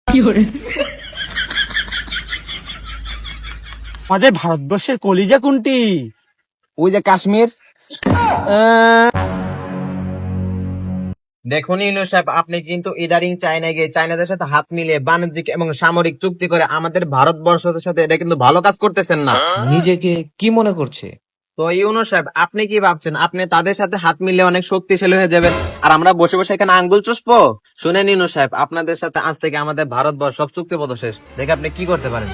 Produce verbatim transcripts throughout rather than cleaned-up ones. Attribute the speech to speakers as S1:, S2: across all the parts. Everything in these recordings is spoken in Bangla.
S1: আমাদের ভারতবর্ষের কলিজা কোনটি?
S2: ওই যে কাশ্মীর। দেখুন ইউনূস সাহেব, আপনি কিন্তু ইদারিং চায়নায় গিয়ে চায়নাদের সাথে হাত মিলিয়ে বাণিজ্যিক এবং সামরিক চুক্তি করে আমাদের ভারতবর্ষের সাথে এটা কিন্তু ভালো কাজ করতেছেন না।
S3: নিজেকে কি মনে করছে?
S2: তো ইউনূস সাহেব, আপনি কি ভাবছেন আপনি তাদের সাথে হাত মিলিয়ে অনেক শক্তিশালী হয়ে যাবেন আর আমরা বসে বসে এখানে আঙ্গুল চুষবো? শুনেন ইউনূস সাহেব, আপনাদের সাথে আজ থেকে আমাদের ভারতবর্ষ সব চুক্তিপত্র শেষ। দেখে আপনি কি করতে পারেন।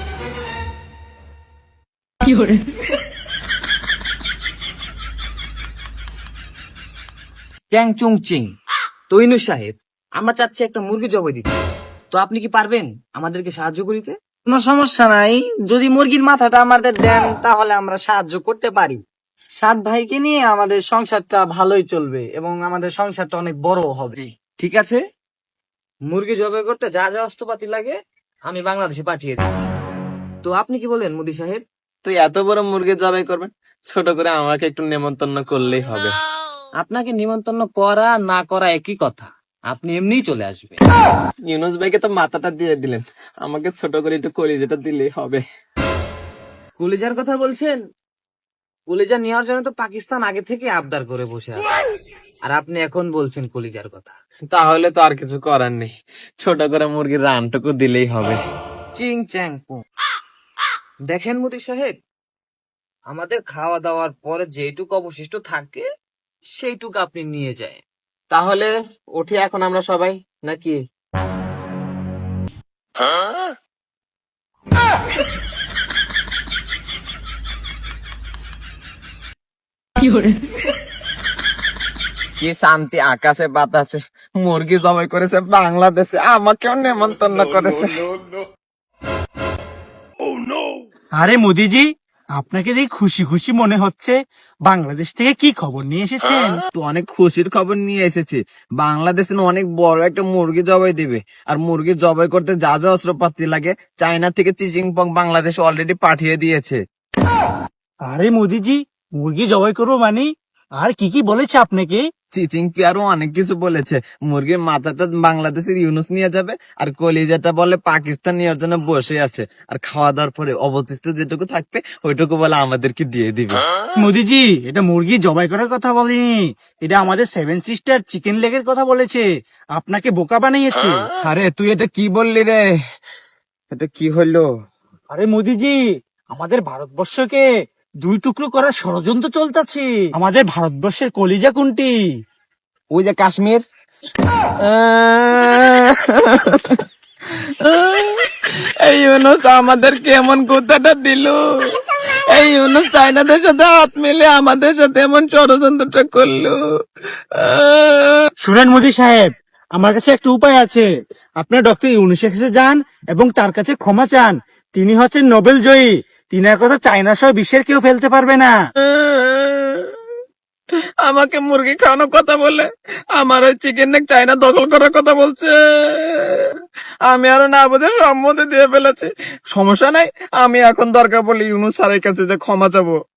S3: চ্যাং চুং চিং। তো ইউনূস সাহেব, আমরা চাচ্ছি একটা মুরগি জবাই দিতে, তো আপনি কি পারবেন আমাদেরকে সাহায্য করিতে?
S4: কোনো সমস্যা নাই, যদি মুরগির মাথাটা আমাদের দেন তাহলে আমরা সাহায্য করতে পারি। সাত ভাইকে নিয়ে আমাদের সংসারটা ভালোই চলবে এবং আমাদের সংসারটা অনেক বড় হবে।
S3: ঠিক আছে, মুরগি জবাই করতে যা যা অস্ত্রপাতি লাগে আমি বাংলাদেশে পাঠিয়ে দিচ্ছি। তো আপনি কি বলেন মোদি সাহেব?
S2: তুই এত বড় মুরগি জবাই করবেন, ছোট করে আমাকে একটু নেমন্তন্ন করলেই হবে।
S3: আপনাকে নিমন্ত্রণ করা না করা একই কথা, আপনি এমনিই চলে আসবেন।
S2: ইউনূস ভাইকে তো মাথাটা দিয়ে দিলেন, আমাকে ছোট করে একটু কলিজাটা দিলেই হবে।
S3: কলিজার কথা বলছেন? কলিজা নেওয়ার জন্য তো পাকিস্তান আগে থেকে আবদার করে বসে আছে, আর আপনি এখন বলছেন কলিজার কথা।
S2: তাহলে তো আর কিছু করার নেই, ছোট করে মুরগির রানটুকু দিলেই হবে।
S3: চিং চ্যাং পুং। দেখেন মোদি সাহেব, আমাদের খাওয়া দাওয়ার পরে যেটুকু অবশিষ্ট থাকে সেইটুকু আপনি নিয়ে যায়।
S2: তাহলে উঠি এখন আমরা সবাই, নাকি? কি শান্তি আকাশে বাতাসে, মুরগি জবাই করেছে বাংলাদেশে, আমাকেও নেমন্তন্ন করেছে।
S1: আরে মোদিজি, আপনাকে দেখে খুশি খুশি মনে হচ্ছে। বাংলাদেশ থেকে কি খবর নিয়ে এসেছেন?
S2: তো অনেক খুশির খবর নিয়ে এসেছি, বাংলাদেশে না অনেক বড় একটা মুরগি জবাই দিবে, আর মুরগি জবাই করতে যা যা অস্ত্রপাতি লাগে চায়না থেকে চিচিং পং বাংলাদেশ অলরেডি পাঠিয়ে দিয়েছে।
S1: আরে মোদিজি, মুরগি জবাই করবো মানে? আর কি কি বলেছে আপনাকে?
S2: চিচিং পিয়ারও অনেক কিছু বলেছে। মুরগির মাথাটা বাংলাদেশের ইউনূস নিয়ে যাবে, আর কলিজাটা বলে পাকিস্তান নেওয়ার জন্য বসে আছে, আর খাওয়া দাওয়ার পরে অবশিষ্ট যেটুকু থাকবে ওইটুকু বলে আমাদেরকে দিয়ে দিবে।
S1: মোদিজি, এটা মুরগি জবাই করার কথা বলেনি, এটা আমাদের সেভেন সিস্টার চিকেন লেগের কথা বলেছে। আপনাকে বোকা বানিয়েছে।
S2: আরে তুই এটা কি বললি রে? এটা কি হলো?
S1: আরে মোদিজি, আমাদের ভারতবর্ষকে দুই টুকরো করার ষড়যন্ত্র চলতেছে। আমাদের ভারতবর্ষের কলিজা কোনটি?
S2: ওই যে কাশ্মীর। এই ইউনূস আমাদের কেমন কথাটা দিল। এই ইউনূস চায়নাদের সাথে হাত মিলে আমাদের সাথে এমন ষড়যন্ত্রটা করলো।
S1: শুনেন মোদি সাহেব, আমার কাছে একটা উপায় আছে। আপনার ডক্টর ইউনূসের কাছে যান এবং তার কাছে ক্ষমা চান। তিনি হচ্ছেন নোবেল জয়ী, তিনার কথা চায়না সহ বিশ্বের কেউ ফেলতে পারবে না।
S2: আমাকে মুরগি খাওয়ানোর কথা বলে আমার ওই চিকেন নেক চায়না দখল করার কথা বলছে। আমি আরো না বুঝে সম্মতি দিয়ে ফেলেছি। সমস্যা নাই, আমি এখন দরকার পড়লে ইউনূস স্যারের কাছে যে ক্ষমা চাবো।